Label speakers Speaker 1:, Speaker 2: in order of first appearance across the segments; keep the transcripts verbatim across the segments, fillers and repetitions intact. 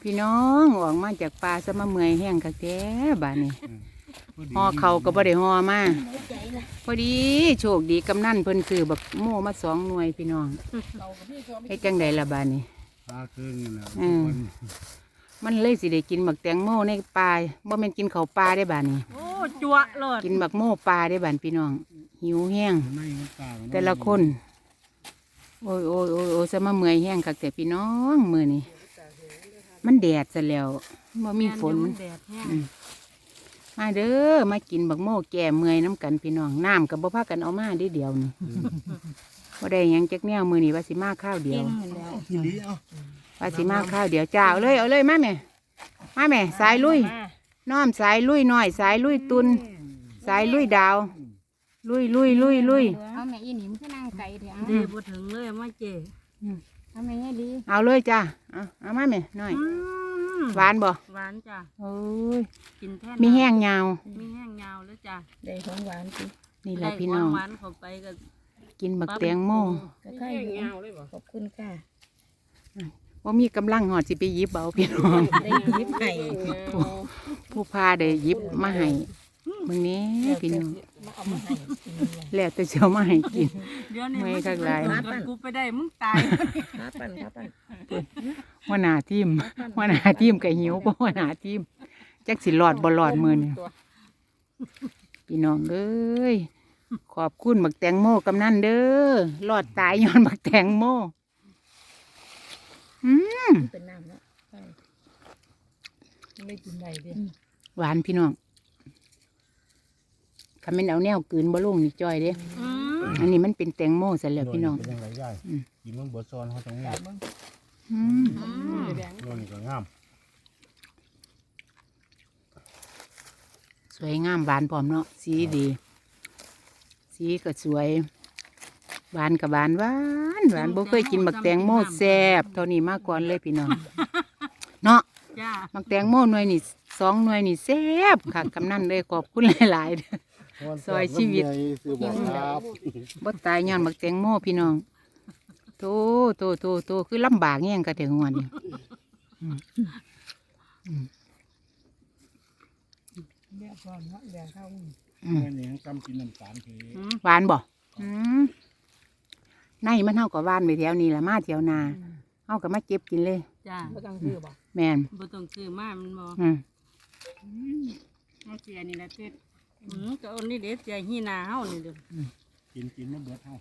Speaker 1: พี่น้องออกมาจากป่าซะมาเมื่อยแห้งคักแท้บ้านนี้ห่อเขาก็บ่ได้ห่อมาพอดีโชคดีกำนันเพิ่นซื้อบักโม่มาสองหน่วยพี่น้องเฮ็ดจังไดล่ะบ้านนี้
Speaker 2: ปลาครึ่งนะ
Speaker 1: อืม มันเลยสิได้กินบักแตงโมในป่าบ่แม่นกินข้าวป่าได้บ้านนี้
Speaker 3: โอ้จั่วเลย
Speaker 1: กินบักโม่ป่าได้บ้านพี่น้องหิวแห้ง
Speaker 2: ไม่มันปลา
Speaker 1: แต่ละคนโอ้ยโอ้ยโอ้ยโอ้ยซะมาเมื่อยแห้งคักแต่พี่น้องมื้อนี้มันแดดซะแล้วบ่มีฝน
Speaker 3: แม่เดี๋ยวมันแดดแห้ง
Speaker 1: อืมมาเด้อมากินบักโม่แก่เมื่อยน้ำกันพี่น้องน้ำกับบ่พากันเอามาได้เดียวนี่บ่ได้หยังจักแนวมือนี่ว่าสิมาข้าวเดียว
Speaker 2: ทีนี้เอา
Speaker 1: ว่าสิมาข้าวเดียวจ้าเอาเลยเอาเลยมาแม่มาแม่สายลุยน้อมสายลุยน้อยสายลุยตุนสายลุยดาว ลุยลุยลุยลุย
Speaker 4: เอาแม่อีหนิมขึ้นนั่งไก่เถอะ
Speaker 3: เดี๋ยวบ่ถึงเลยมาเจ
Speaker 4: เอาแม่เนี่ยดี
Speaker 1: เอาเลยจ้าเอาเอามาแม่น้อย
Speaker 3: อืม
Speaker 1: หวานบ่
Speaker 3: หวานจ้ะ
Speaker 1: โอ้ย
Speaker 3: กินแท่
Speaker 1: มีแห้งยาว
Speaker 3: มีแห้งยาวแล้วจ้ะ
Speaker 4: ได้ของหวานสิ
Speaker 1: นี่แหละพี่น้อง
Speaker 3: หวานๆเข้าไปก็
Speaker 1: กินบักแตงโม
Speaker 4: ก็ค่อยอยู่ขอบคุณค่ะ
Speaker 1: ว่ามีกำลังหอดสิไปหยิบเอาพี่น้อง
Speaker 4: ได้ยิบให้
Speaker 1: ผู้ผู้พาได้หยิบมาให้มึงนี้พี่น้อง
Speaker 4: มาเอามาให้กินเลย
Speaker 1: แล้วแต่เช้ามาให้กิน
Speaker 3: เดี๋ยวนี้
Speaker 1: ไม่
Speaker 3: มัน
Speaker 1: คักหลาย
Speaker 3: มันกูไปได้มึงตาย
Speaker 4: ครับปั่นครับปั่น
Speaker 1: หัวหน้าทีมหัวหน้าทีมก็หิวเพราะหัวหน้าทีมจักสิรอดบ่รอดมือนี่พี่น้องเอ้ยขอบคุณบักแตงโมกำนันเด้อรอดตายย้อนบักแตงโมอืม
Speaker 4: เป็นน้ำแล้วใช่ไม่กินได้ดิ
Speaker 1: หวานพี่น้องถ้าแม่นเอาแนวกลืนบ่ลงนี่จ้อยเด้
Speaker 3: อืม
Speaker 1: อันนี้มันเป็นแตงโมซะแล้วพี่น้อง
Speaker 2: เป็นยังไงย่ายกินมันเบิดซอนเขาต้องงาม
Speaker 1: อืม
Speaker 3: อืม
Speaker 2: โน่นนี่ก็งาม
Speaker 1: สวยงามหวานพร้อมเนาะสีดี สีก็สวยหวานกับหวานหวานหวานบ่เคยกินบักแตงโมแซ่บเท่านี้มาก่อนเลยพี่น้องเนาะ
Speaker 3: จ้า
Speaker 1: บักแตงโมหน่วยนี่สองหน่วยนี่แซ่บค่ะกำนันเลยขอบคุณหลายๆเด้อ ซอยชีวิต
Speaker 2: ซื้อบอกครับ
Speaker 1: บ่ตายย้อนบักแตงโมพี่น้องโตโตโตโตคือลำบากแง่งกะถึงวันนี้อืมอืม
Speaker 4: เดี๋ยวก่อนเนาะเดี๋ยวเข้า
Speaker 1: อืม
Speaker 2: แม่นี่ยังกำกินน้ำตาลที
Speaker 3: อืม
Speaker 1: หวานบ่อืมในมันเท่ากับหวานไปแถวนี้ละมาแถวนาเฮาก็มาเก็บกินเลย
Speaker 3: จ้า
Speaker 4: ไม่ต้องซื้อบอก
Speaker 1: แม่น
Speaker 3: บ่ต้องซื้อมามันบ่
Speaker 1: อืม
Speaker 3: เอาเสียนี่แหละเต็ดอืมก็เอานี่เด็ดเสียหีหนาเฮานี่เด้อ
Speaker 2: กินกินมันเบิดเท่า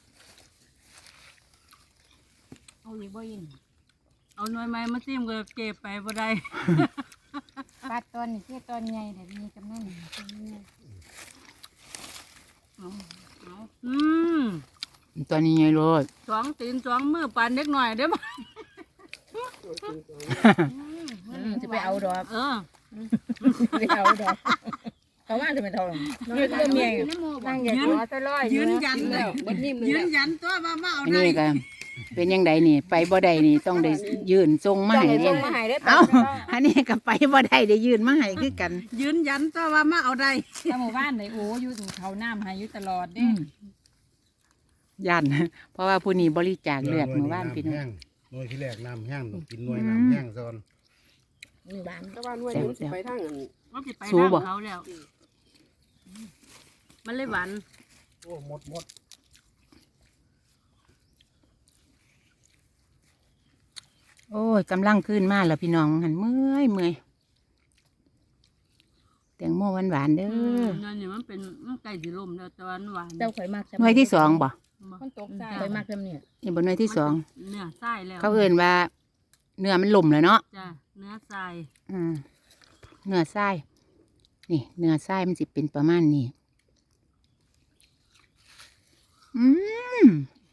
Speaker 4: เอาอีกบ่ยิน
Speaker 3: เอาหน่วยไม้มาซิมก็เก็บไปบ่ได้
Speaker 4: ปลาตอนนี่คือตอนใหญ่แต่มีกำนัน
Speaker 3: เอาเอาอืม
Speaker 1: ตัวนี้ไงโลด
Speaker 3: สองตีนสองมือปานเด็กหน่อยเด้อบ่
Speaker 4: จะไปเอาดอก
Speaker 3: เออ
Speaker 4: ไปเอาดอกเขาว่าจะไปทองนี่ก็เมียนั่งอย่างหัวตะลอย
Speaker 3: ยืนยันเลย
Speaker 4: บัดนิ่มเล
Speaker 3: ยื
Speaker 4: ย
Speaker 3: นยันตัวว่ามาเอา
Speaker 1: อัน
Speaker 3: ได้
Speaker 1: นี้ก็เป็นยังไงนี่ ไปบ่ได้นี่ต้องได้ยืนทรงมา
Speaker 4: ต้อง
Speaker 1: ให้
Speaker 4: ให้
Speaker 1: เด้
Speaker 4: ส่งมาให้ได้
Speaker 1: เอ้าอันนี้ก็ไปบ่ได้ได้ยืนมาให้คือกัน
Speaker 3: ยืนยันตัวว่ามาเอาได้
Speaker 4: ถ้าหมู่บ้านไหนโอ้อยู่เขาน้ำให้อยู่ตลอดเด้
Speaker 1: ยันเพราะว่าผู้นี้บริจาคเลือดเมื่อวานพี่น้อง
Speaker 2: แห้งหน่วยที่แรกน้ำแห้งต้องกินหน่วยน้ำแห้งซอน
Speaker 4: หมู่บ้าน
Speaker 5: แต่ว่าหน่วยนี้มันสิไปทางอัน
Speaker 3: ว่าสิไป
Speaker 1: สู้บ่
Speaker 3: ทางเขาแล้ว มันเลยหวาน
Speaker 2: โอ้หมดหมด
Speaker 1: โอ้ยกำลังขึ้นมาแล้วพี่น้องหันเมื่อยเมื่อยแตงโมหวานหวานๆเด้
Speaker 3: อื
Speaker 1: อ
Speaker 3: มนั่นนี่มันเป็นมันใกล้สิล่มแล้วแต่ว่ามันหวาน
Speaker 4: เจ้าข่อยมาก
Speaker 1: หน่วยที่สองบ่
Speaker 4: มันตกใจข่อยมากเท่านี้
Speaker 1: นี่บ่หน่วยที่สอง
Speaker 3: เนื้อทรายแล้ว
Speaker 1: เขาเอ่นว่า เนื้อมันหล่มแล้วเนาะ
Speaker 3: จ้ะเนื้อทราย
Speaker 1: อืมเนื้อไส้นี่เนื้อไส้มันสิเป็นประมาณนี้อืม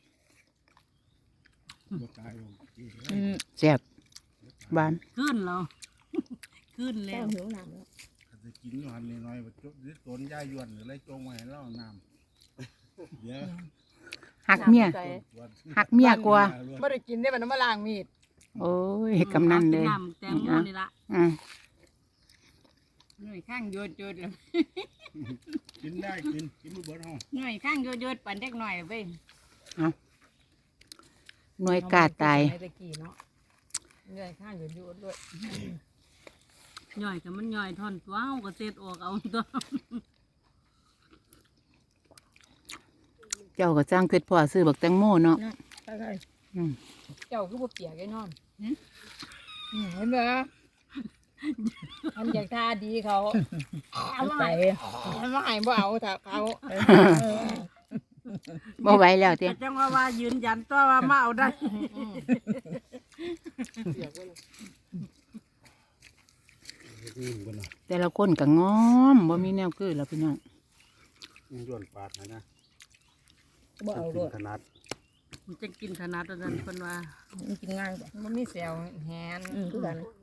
Speaker 2: บ่ตายลง
Speaker 1: แซ่บหวาน
Speaker 3: ขึ้นแล้ว ขึ้นแล้
Speaker 4: เจ้าว หิวน้ำแล้ว
Speaker 2: ถ้าจะกินอยู่หันน้อยๆว่าจุดหรือต้นย่ายวนหรืออะไรจงไว้ให้เราน้ำเดี๋ยว
Speaker 1: หักเมีย หักเมียกว่า
Speaker 4: ไม่ได้กินได้มันมาล้างมีด
Speaker 1: โอ้ยกำนันเลย
Speaker 3: อากิน้ำแตงโมนี่ละ
Speaker 1: อืม
Speaker 3: หน่วยข้างโยดโยดเลย
Speaker 2: กินได้กินกินมันเบิดห้อง
Speaker 3: หน่วยข้างโยดโยดปั่นเด็กหน่อยเว้ย
Speaker 1: หน่วยกาตาย
Speaker 4: ตะกี้เนาะเงยข้างอยู่อยู่ด้วย
Speaker 3: ย่อยก็มันย่อยท่อนตัวเฮาก็เสร็จออกเอาตัว
Speaker 1: เจ้าก็จ้างเพชรพ่อซื้อบักแตงโมเนาะ
Speaker 4: ใช่
Speaker 1: อืม
Speaker 4: เจ้าคือบ่เปียกไอ้นอนเห็นไหมมันอยากท่าดีเขาเอาไปเอามาให้บ่เอาถ้าเขา
Speaker 1: บ่ไหวแล้วเตี้ย
Speaker 3: แต่จังว่าว่ายืนยันตัวว่ามาเอาได้
Speaker 2: นี่บนน่ะ
Speaker 1: แต่ละคนก็งอมบ่มีแนวคือแล้วพี่น้อง
Speaker 2: ยังย้วนปาดนะนะ
Speaker 4: บ่เอา
Speaker 2: กิ
Speaker 4: ด้
Speaker 2: น
Speaker 4: วย
Speaker 2: ขนาด
Speaker 3: มันจะกินถนัดตัวนั้นเพิ่นว่า
Speaker 4: มันกินง่ายกว่ามันมีเซลล์แฮนคือกัน